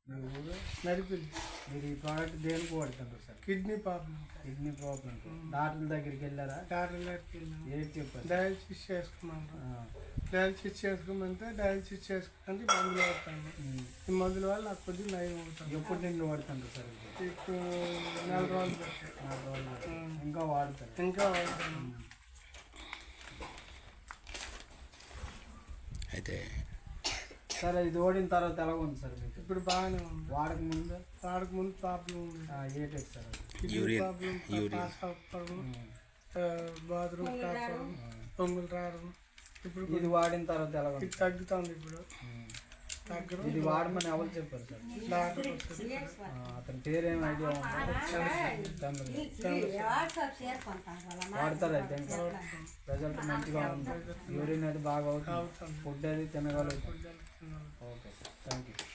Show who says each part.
Speaker 1: నడిపింది.
Speaker 2: మీరు ఈ ప్రోడక్ట్ దేనికి వాడుతుంటారు sir?
Speaker 1: Kidney problem.
Speaker 2: Kidney problem. Doctor దగ్గరికి వెళ్ళారా?
Speaker 1: డాక్టర్ దగ్గరికి వెళ్ళాము.
Speaker 2: ఏది చెప్పారు?
Speaker 1: డయాలసిస్ చేసుకున్నాను. డయాలసిస్ చేసుకోమంటే డయాలసిస్ చేసుకుంటే మందులు వాడతాను. ఈ మందుల వల్ల నాకు కొద్దిగా నయం అవుతాను.
Speaker 2: ఎప్పుడు నిన్ను వాడుతుంటారు సార్?
Speaker 1: ఇప్పుడు 4 రోజులు పెట్టాను.
Speaker 2: 4 రోజులు ఇంకా వాడతారు?
Speaker 1: ఇంకా వాడతాను.
Speaker 3: అయితే
Speaker 2: సరే, ఇది ఓడిన తర్వాత ఎలా ఉంది సార్ మీకు?
Speaker 1: ఇప్పుడు బాగానే ఉంది.
Speaker 2: వాడక ముందు
Speaker 1: ప్రాబ్లం ఉంది.
Speaker 2: ఏ టైప్ సార్?
Speaker 3: యూరిన్
Speaker 1: బాత్రూమ్ కాపడం, పొంగులు రావడం. ఇప్పుడు
Speaker 2: ఇది వాడిన తర్వాత ఎలా ఉంది?
Speaker 1: ఇది తగ్గుతుంది. ఇప్పుడు తగ్గడం.
Speaker 2: ఇది వాడమని ఎవరు చెప్పారు సార్?
Speaker 1: డాక్టర్ వస్తుంది.
Speaker 2: అతని పేరేం ఐడియా ఉందా? వాడతారు అయితే ఇంకా రిజల్ట్ మంచిగా ఉంది. యూరిన్ అది బాగా అవుతుంది. ఫుడ్ అది తినగలుగుతాం. Okay sir, thank you.